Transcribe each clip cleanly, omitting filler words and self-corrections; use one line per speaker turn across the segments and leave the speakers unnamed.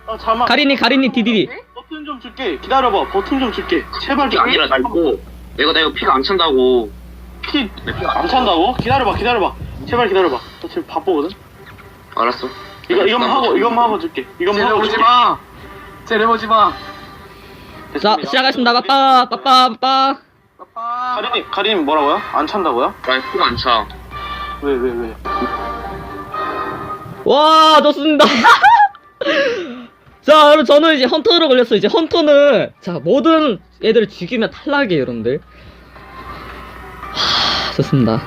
잠깐만.
가린이 디디디.
버튼 좀 줄게. 기다려봐. 버튼 좀 줄게. 제발 좀.
아니라 나 이거 피가 안 찬다고.
피 안 찬다고? 기다려봐. 제발 기다려봐. 나 지금 바쁘거든.
알았어.
이것만 하고 줄게. 이것만 하고 줄게.
쟤네보지 마.
자, 시작하겠습니다. 빠빠.
가린이 뭐라고요? 안 찬다고요?
나 피가 안 차.
왜?
와, 좋습니다. 자, 여러분, 저는 이제 헌터로 걸렸어요. 이제 헌터는, 자, 모든 애들을 죽이면 탈락이에요, 여러분들. 좋습니다.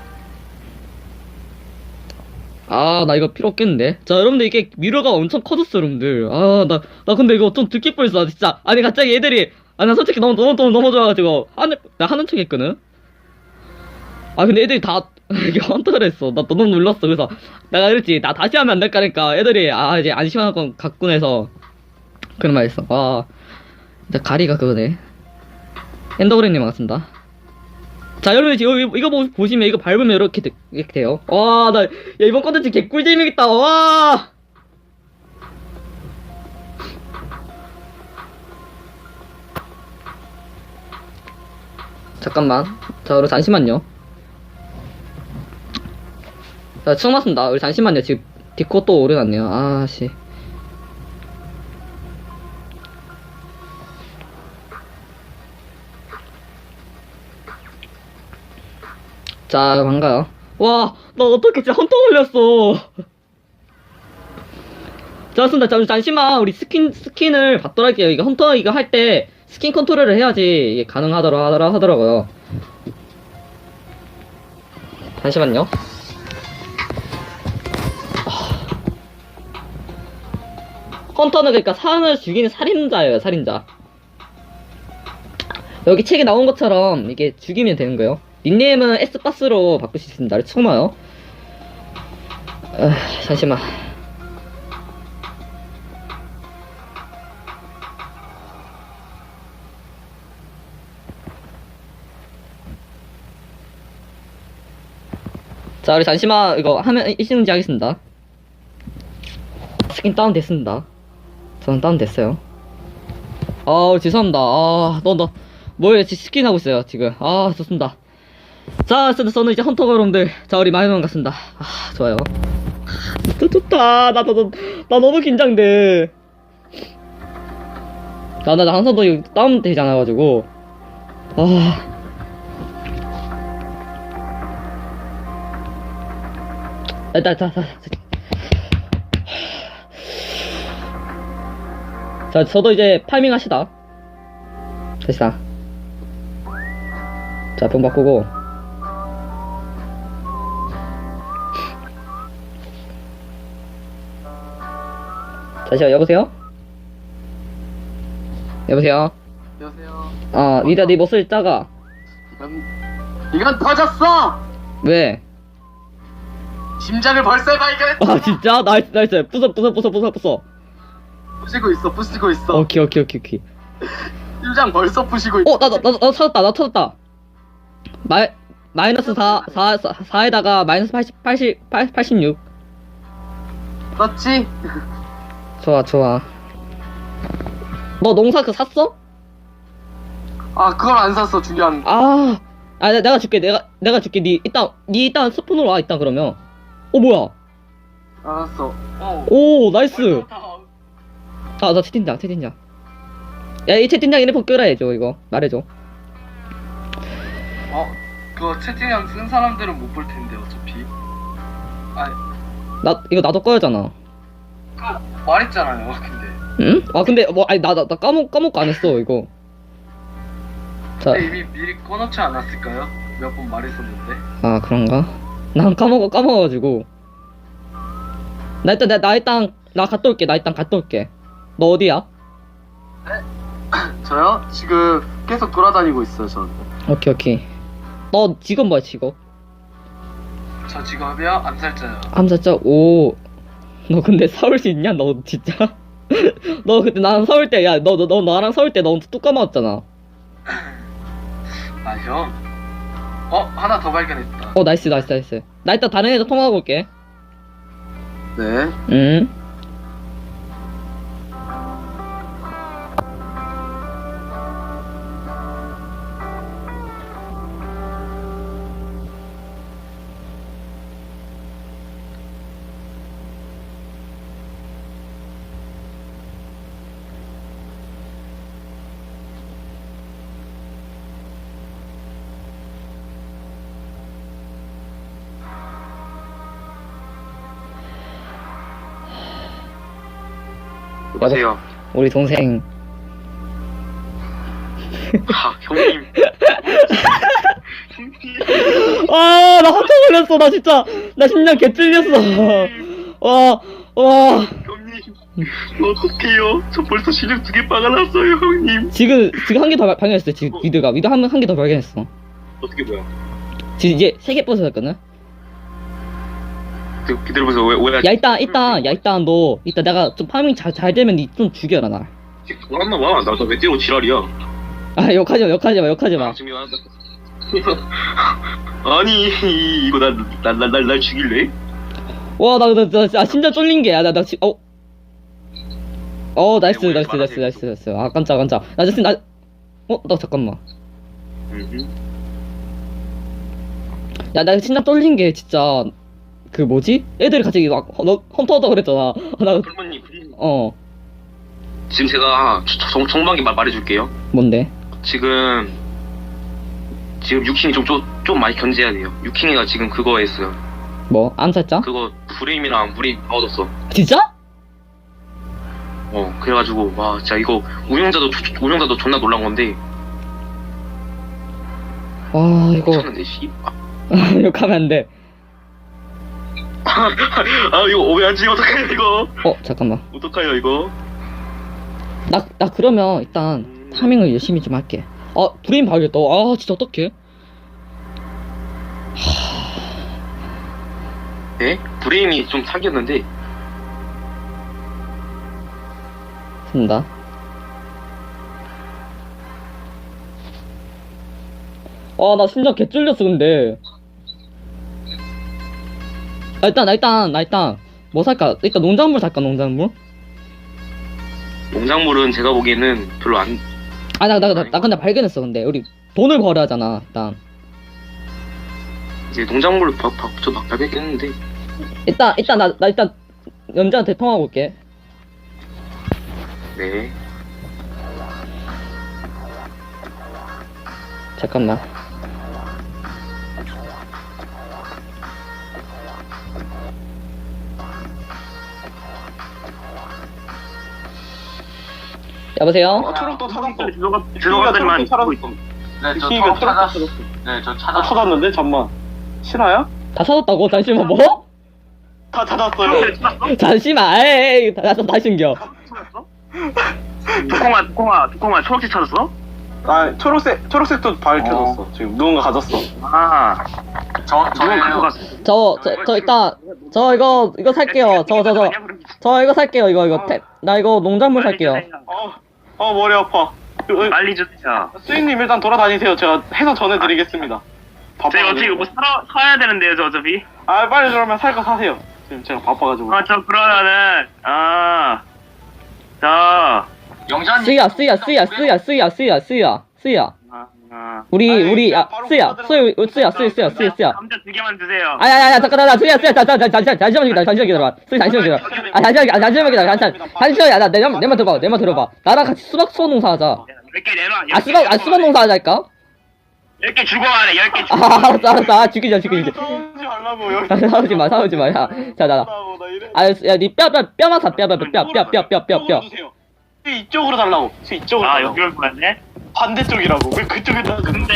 아, 나 이거 필요 없겠는데. 자, 여러분들, 이게 미러가 엄청 커졌어, 여러분들. 아, 나 근데 이거 좀 듣기 뻔했어, 진짜. 아니, 갑자기 애들이, 나 솔직히 너무 좋아가지고, 나 하는 척 했거든? 아, 근데 애들이 다, 이게 헌터를 했어. 나 너무 놀랐어. 그래서, 내가 그랬지. 나 다시 하면 안 될까 하니까, 애들이, 이제 안심할 건 같군 해서, 그런 말 했어. 와, 진짜 가리가 그거네. 엔더그레님 반갑습니다. 자, 여러분, 이거 보시면, 이거 밟으면 이렇게 돼요. 와, 야, 이번 컨텐츠 개꿀잼이겠다. 와! 잠깐만. 자, 여러분, 잠시만요. 자, 처음 왔습니다. 우리 잠시만요. 지금, 디코 또 오려놨네요. 아씨. 자, 반가요. 와, 나 어떻게 진짜 헌터 걸렸어. 자, 좋습니다. 잠시만, 우리 스킨을 받도록 할게요. 이거 헌터 이거 할 때, 스킨 컨트롤을 해야지, 이게 하더라고요. 잠시만요. 헌터는 그러니까 사람을 죽이는 살인자예요, 살인자. 여기 책에 나온 것처럼, 이게 죽이면 되는 거예요. 닉네임은 S박스로 바꿀 수 있습니다. 처음 와요. 잠시만. 자, 우리 잠시만 이거 하면 일시정지 하겠습니다. 스킨 다운 됐습니다. 저는 다운 됐어요. 죄송합니다. 뭐예요? 스킨 하고 있어요, 지금. 좋습니다. 자, 저는 이제 헌터가 여러분들. 자, 우리 마이너만 갔습니다. 좋아요. 좋다. 나 너무 긴장돼. 나 항상 또 이거 다운 되지 않아가지고. 자, 저도 이제 파밍 합시다. 됐다. 자, 병 바꾸고. 잠시만, 여보세요?
안녕하세요.
리다, 네 목소리 작아.
이건 터졌어.
왜?
심장을 벌써 발견했어.
진짜? 나이스. 부숴.
부시고 있어.
오케이.
심장 벌써 부시고 있어.
나 찾았다. 마이너스 4에다가 마이너스 86.
그렇지?
좋아. 너 농사 그거 샀어?
그걸 안 샀어. 중요한.
내가 줄게. 내가 줄게. 니 일단 스폰으로 와, 일단 그러면. 뭐야?
알았어.
오, 나이스. 나 채팅장. 야, 이 채팅장 이름 끄라 해줘, 이거. 말해줘.
그거 채팅창 쓴 사람들은 못 볼 텐데, 어차피.
이거 나도 꺼야잖아.
그거 말했잖아요, 근데.
응? 근데, 나 까먹고 안 했어, 이거. 자.
이미 미리 꺼놓지 않았을까요? 몇 번 말했었는데.
그런가? 난 까먹어가지고. 나 갔다 올게. 너 어디야?
저요? 지금 계속 돌아다니고 있어요, 저는.
오케이. 너 직업 뭐야, 직업?
저 직업이요? 암살자요.
암살자? 오. 너 근데 싸울 수 있냐? 너 진짜? 너 그때 나랑 싸울 때, 야, 너 나랑 싸울 때 너 뚝 까먹었잖아.
형. 하나 더 발견했다.
나이스. 나 이따 다른 애들 통화하고 올게.
네.
응?
여보세요.
우리 동생.
아, 형님.
아, 나 깜짝 놀랐어. 나 진짜, 나 심장 개 찔렸어. 와, 와.
형님. 어떡해요? 저 벌써 시력 2개 빠가났어요, 형님.
지금 한 개 더 발견했어. 지금 위드 한 개 더 발견했어.
어떻게 뭐야?
지금 이제 3개 부서졌거든?
기다려보세요. 왜?
야, 일단 너, 이따 내가 좀 파밍 잘 되면 니 좀 죽여라, 날.
지금 돌았나 봐. 나왜 때려 지랄이야.
아, 욕하지 마.
지금 아니, 이거 날 죽일래?
와, 나 심장 쫄린 게, 나 지금, 나이스. 아, 깜짝. 나 지금, 나 잠깐만. 야, 나 심장 쫄린 게, 진짜, 그 뭐지? 애들이 같이 막, 험터하다 그랬잖아.
그러면 지금 제가 정방에 말해줄게요.
뭔데?
지금 유킹이 좀 많이 견제해야 돼요. 유킹이가 지금 그거 했어요.
뭐? 암살자?
그거 브레임이랑 물이 넣어줬어.
진짜?
그래가지고 와 진짜 이거 운영자도 존나 놀란 건데.
와, 이거.
미쳤는데 씨.
욕하면 안 돼.
아 이거 왜 안 지금 어떡해요 이거?
잠깐만.
어떡해요 이거?
나 그러면 일단 타밍을 열심히 좀 할게. 브레인 봐야겠다. 아, 진짜 어떡해?
네? 브레임이 좀 사귀었는데.
된다. 나 심장 개 쫄렸어, 근데. 나 일단, 뭐 살까? 일단 농작물 살까, 농작물?
농작물은 제가 보기에는 별로 안.
나 근데 발견했어, 근데. 우리 돈을 벌어야 하잖아, 일단.
이제 농작물을 저 막 발견했는데.
일단, 나 일단, 연자한테 통화하고 올게.
네.
잠깐만. 여보세요?
초록도 찾았어.
들어가더니만
찾았어.
네, 저
유킹이가
초록 찾았.
찾았어.
네, 저
다
찾았.
찾았는데 잠만. 실화야?
다 찾았다고? 잠시만, 뭐?
다 찾았어요.
잠시만, 에이, 다시 숨겨.
두콩아 초록색 찾았어?
아 초록색도 밝혀졌어. 지금 누군가 가졌어.
아
저예요.
저 일단, 이거 살게요. 저 이거 살게요. 이거 나 이거 농작물 살게요.
머리 아파.
빨리 주세요.
수인님 일단 돌아다니세요. 제가 해서 전해드리겠습니다.
저희 어차피 뭐 사야 되는데요, 저 어차피.
빨리 그러면 살 거 사세요. 지금 제가 바빠가지고.
저 그러면은 저
영자님.
쓰야. 우리 쓰야.
감자 2개만 주세요.
아야야야 잠깐 나 쓰야 잠시만 기다려. 잠시만 기다려. 내말 들어봐. 나랑 같이 수박 농사 하자.
몇 개 내놔.
수박 농사 하자니까.
10개 주고 가래. 10개 주고.
알았어. 죽이자.
싸우지 말라고 여기.
싸우지 마. 야, 니 뼈만 사. 뼈.
주세요. 이쪽으로 달라고. 이쪽으로.
여기로 보냈네.
반대쪽이라고. 왜 그쪽에다?
근데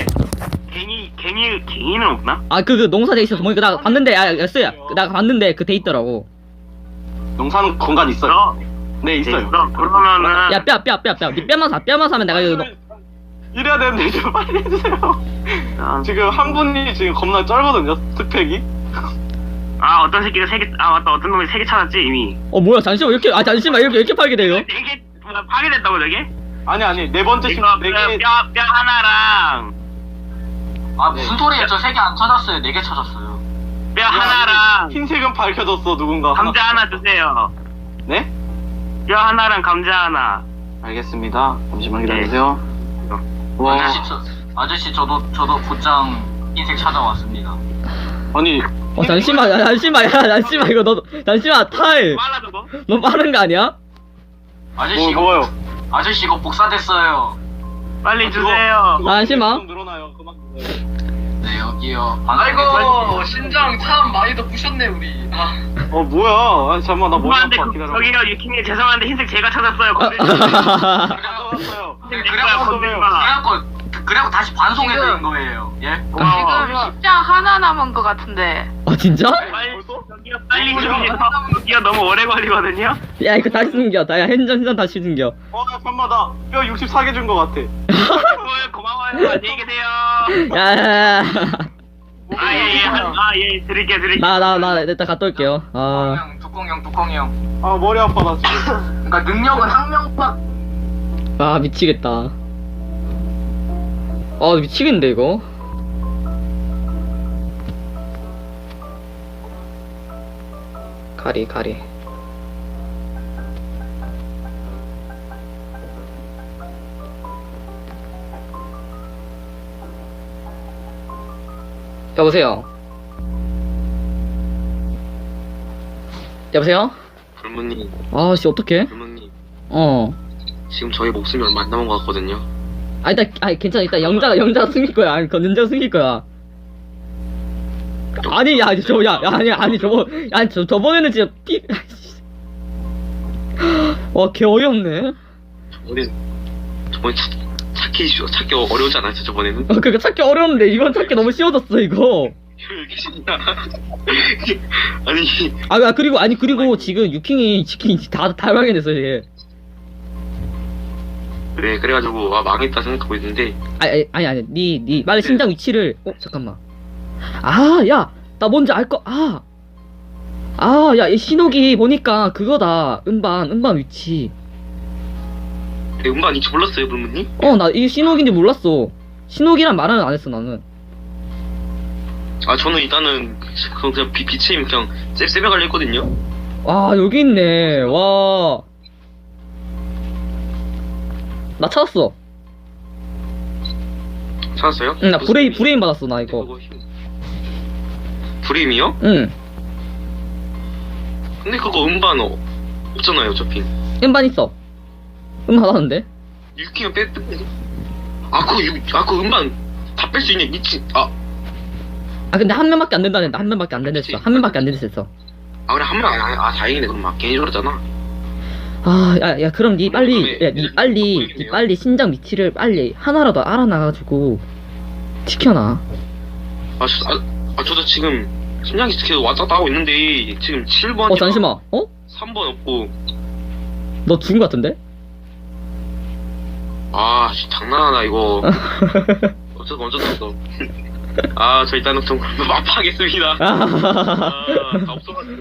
갱이는 없나?
그 농사돼 있어서 보니까 나 봤는데 쓰야. 나 봤는데 그 돼 있더라고.
농사는 공간 있어요. 네 있어요.
그러면은
야 뼈. 니 뼈만 사면 내가 이거
이래야 되는데 좀 빨리 해주세요. 지금 한 분이 지금 겁나 쩔거든요. 스펙이.
어떤 새끼가 3개 맞다. 어떤 놈이 3개 찾았지 이미.
뭐야 잠시만 이렇게 팔게 돼요?
4개 파괴됐다고 저게?
아니 네 번째 심
이거
네 개.
뼈 하나랑
무슨 소리예요? 저 3개 안 찾았어요. 4개 찾았어요.
뼈 하나랑
흰색은 밝혀졌어 누군가.
감자 하나 주세요.
네?
뼈 하나랑 감자 하나.
알겠습니다. 잠시만 기다리세요. 와.
아저씨 저도 곧장 흰색 찾아왔습니다.
아니
잠시만 이거 잠시만 타임.
빨라져 너?
너무 빠른 거 아니야?
아저씨
뭐요?
아저씨 이거 복사됐어요.
빨리 주세요.
잠시만.
좀 늘어나요. 그만큼.
네, 여기요.
아이고 신장 참 많이도 부셨네 우리. 아.
뭐야? 아니 잠깐만 나 머리
죄송한데
아파 기다려.
저기요 유킹님 죄송한데 흰색 제가 찾았어요.
가져왔어요.
그래갖고 다시 반송해 드린 거예요. 예?
지금 십장 하나 남은 것 같은데.
아 진짜?
빨리 저기요 너무 오래 걸리거든요.
야 이거 다시 숨겨. 야 현장 다시 숨겨.
잠깐만 나 뼈 64개 준 거 같아.
고마워요. 안녕히 계세요.
야야야.
아예 드릴게요.
나 일단 갔다 올게요. 아.
뚜껑이 형.
아 머리 아파 나 지금.
그러니까 능력은 한 명밖.
아 미치겠다. 아 미치겠는데 이거. 가리. 여보세요.
불문님,
아씨 어떡해?
불문님.
어.
지금 저희 목숨이 얼마 안 남은 것 같거든요.
아니 괜찮아. 일단 영자가 숨길 거야. 아니 그건 영자가 숨길 거야. 아니 저번에는 진짜 개 어이없네.
저번에 찾기 어려우지 않았어요 저번에는?
그니까 찾기 어려운데 이번 찾기 너무 쉬워졌어 이거.
아니
그리고 지금 유킹이 다 발견했어 얘.
네 그래가지고 망했다 생각하고 있는데.
아니 니 빨리 신장 위치를. 잠깐만. 야 나 뭔지 알 거. 야 이 신호기 보니까 그거다. 음반 위치.
네, 음반 위치 몰랐어요 불문님?
나 이 신호기인지 몰랐어. 신호기란 말은 안 했어 나는.
저는 일단은 그냥 빛의 힘 그냥 쌤에 갈려있거든요.
여기 있네. 와. 나 찾았어.
찾았어요?
응, 나 브레인 받았어 나 이거.
브레임이요?
응.
근데 그거 음반 없잖아요 어차피.
음반 있어. 음반 하나인데?
유킹은 그거 음반 다 뺄 수 있네 미친.
근데 한 명밖에 안 된다는데. 한 명밖에 안 된댔어. 한 명밖에 안 된댔어.
그래 한 명. 다행이네 그럼 막 괜히 저랬잖아.
야 그럼 니 빨리
그러면
빨리 신장 위치를 빨리 하나라도 알아놔가지고 지켜놔.
저도 지금 심장이 계속 왔다 갔다 하고 있는데 지금 7번.
잠시만.
3번 없고.
너 죽은 거 같은데?
장난하나 이거. 어쩌었어. 저 일단은 좀 마파하겠습니다. 다 없어가지고.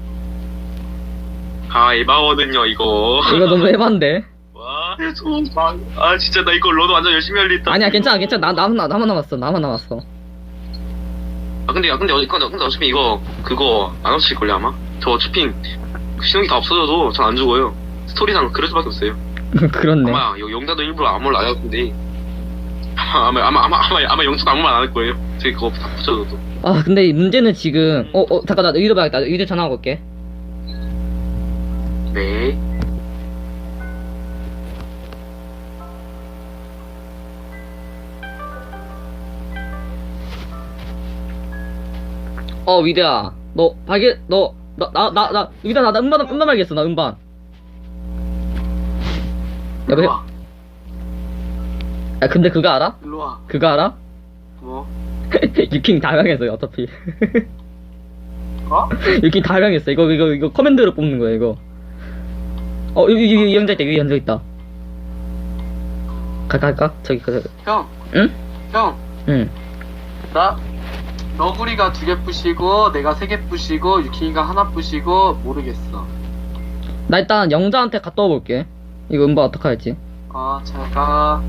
에바거든요 이거.
이거 너무 에반데.
와, 진짜 나 이거 로드 완전 열심히 할려 했다.
아니야 괜찮아. 나만 남았어.
근데 어차피 이거 그거 안 없을걸요 아마? 저 어차피 신호기 다 없어져도 전 안 죽어요. 스토리상 그럴 수밖에 없어요.
그렇네.
아마 영자도 일부러 아무 말 안 할 건데 아마 영자도 아무 말 안 할 거예요. 저기 그거 다 붙여줘도.
근데 이 문제는 지금 잠깐 나 의도 봐야겠다. 의도 전화하고 올게.
네.
위대야. 위대야 나 음반 발견했어. 나 음반. 여보세요? 근데 그거 알아?
일로와.
그거 알아?
뭐?
유킹 다 명했어요 어차피.
어?
유킹 다 명했어. 이거 커맨드로 뽑는 거야 이거. 여기 영자 있다. 여기 영자 있다. 갈까? 저기.
형.
응?
형.
응.
나 너구리가 2개 부시고 내가 3개 부시고 유킹이가 하나 부시고 모르겠어.
나 일단 영자한테 갔다 와볼게. 이거 음반 어떡 할지.
제가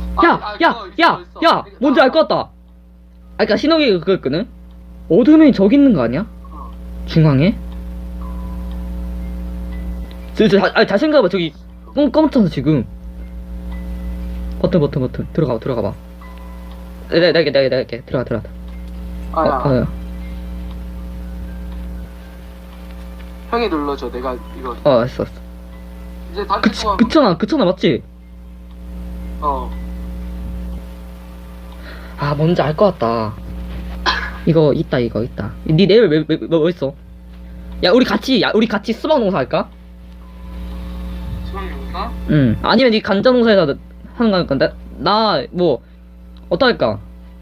야, 뭔지 알 것 같다. 그니까 신호기가 그거였거든? 어둠이 저기 있는 거 아니야? 중앙에? 잘 생각해봐. 저기 검잖아 지금. 버튼. 들어가봐. 내가 할게. 들어가.
아야. 형이 눌러줘. 내가 이거
알았어.
이제 단체 통화.
그쳐나 맞지? 뭔지 알 것 같다. 이거 있다. 니 내일 뭐 있어? 야 우리 같이 수박 농사 할까?
수학 용사?
응. 아니면 니 간자 농사에서 하는 거니까 나 뭐 어떡할까?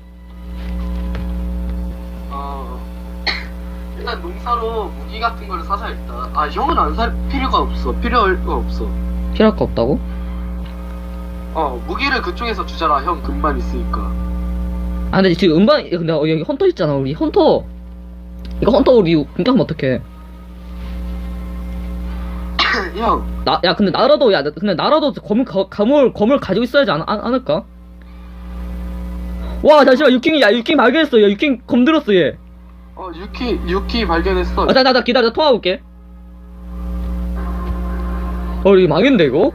일단 농사로 무기 같은 거를 사자 일단. 아 형은 안 살 필요가 없어. 필요할 거 없어.
필요할 거 없다고?
무기를 그쪽에서 주잖아. 형 금만 있으니까.
아 근데 지금 음반 근데 여기 헌터 있잖아. 우리 헌터 이거 헌터 우리 공격하면 어떡해?
형.
야 근데 나라도 검을 가지고 있어야지 않을까? 와 잠시만 유킹 발견했어. 야 유킹 검 들었어 얘.
유키 발견했어.
나 기다려 나 통화 볼게. 이거 망했는데 이거?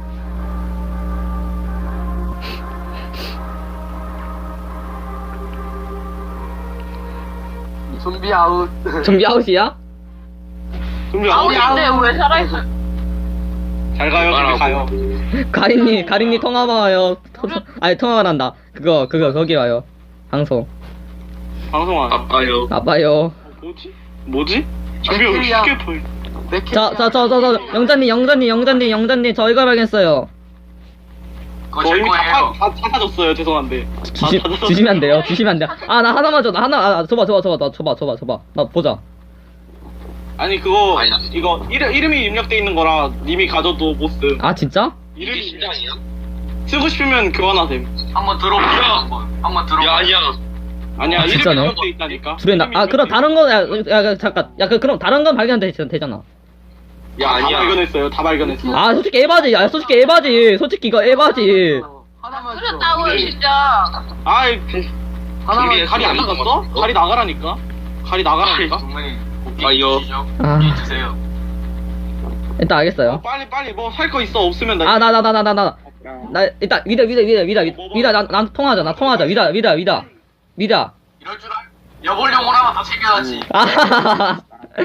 좀비 아웃.
좀비 아웃이야?
좀비
아웃인데 왜 살아있어?
잘 가요, 좀비 가요.
가린님 통화 와요. 아니 통화가 난다. 그거 거기 와요. 방송.
방송 안 해.
아빠요.
아빠요.
뭐지? 좀비가 왜
킬이야.
쉽게 보여?
저 영자님 저 이거 발견했어요.
그거
저
제
이미
거예요.
다 찾았어요. 죄송한데.
주시면 안 돼요. 아 나 하나만 줘. 줘봐. 나 보자.
아니 그거
아니, 나-
이거 이름이 입력돼 있는 거라 님이 가져도 못 쓴.
아 진짜?
이게
이름이
심장이야?
쓰고 싶으면 교환하셈.
한번 들어보세요.
야.
한번 들어보세요.
야 아니야.
아니야
아,
이름이
진짜네?
입력돼 있다니까.
그래 그럼 다른 거 잠깐. 그럼 다른 건 발견되잖아.
야
다
아니야.
발견했어요. 다 발견했어.
아 솔직히 에바지. 솔직히 이거 에바지.
하나만 줘.
그랬다고요 진짜.
아이
하나만
준비했어.
갈이 안 나갔어? 갈이 나가라니까. 갈이 나가라니까.
동맹이
아, 이거.
아
고기 주세요.
일단 알겠어요.
빨리 뭐 살 거 있어 없으면 나.
아 나 일단 위다 난 통화하자 위다
이럴 줄 알. 여벌용 오라면 더 챙겨야지.
아하하하.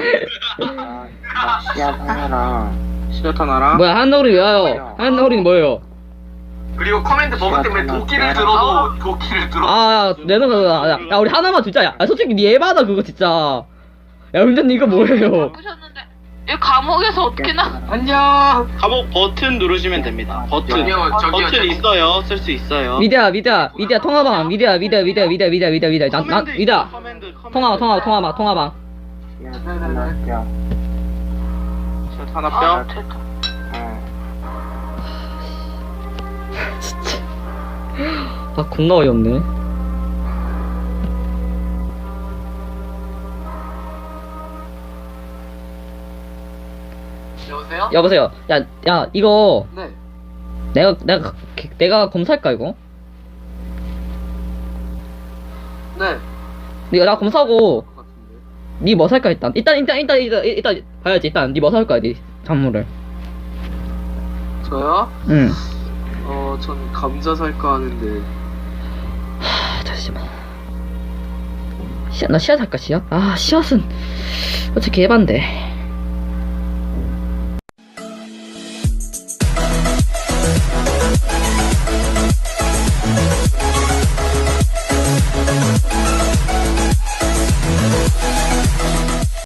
시야타 나라.
뭐야 한너울이 왜 와요? 한너울이는 뭐예요?
그리고 커맨드 버그 때문에 도끼를 들어도 도끼를 들어.
아 내는 거야. 야 우리 하나만 주자. 야 솔직히 니 에바다 그거 진짜. 야 운전님 이거 뭐예요?
보셨는데 이 감옥에서 어떻게 나?
안녕.
감옥 버튼 누르시면 됩니다. 버튼.
저기요.
버튼 있어요. 쓸 수 있어요.
미디야 통화방 미디야 난 미디야 통화방
네네네.
하나 뼈.
아 겁나 어이없네.
여보세요?
여보세요. 야 이거
네.
내가 검사할까 이거?
네.
나 검사하고
것 같은데.
니 뭐 살까 일단 봐야지. 일단 니 뭐 살 거야 니 작물을.
저요?
응.
전 감자 살까 하는데.
잠시만. 나 씨앗 할까 씨앗? 아 씨앗은 어차피 개반데.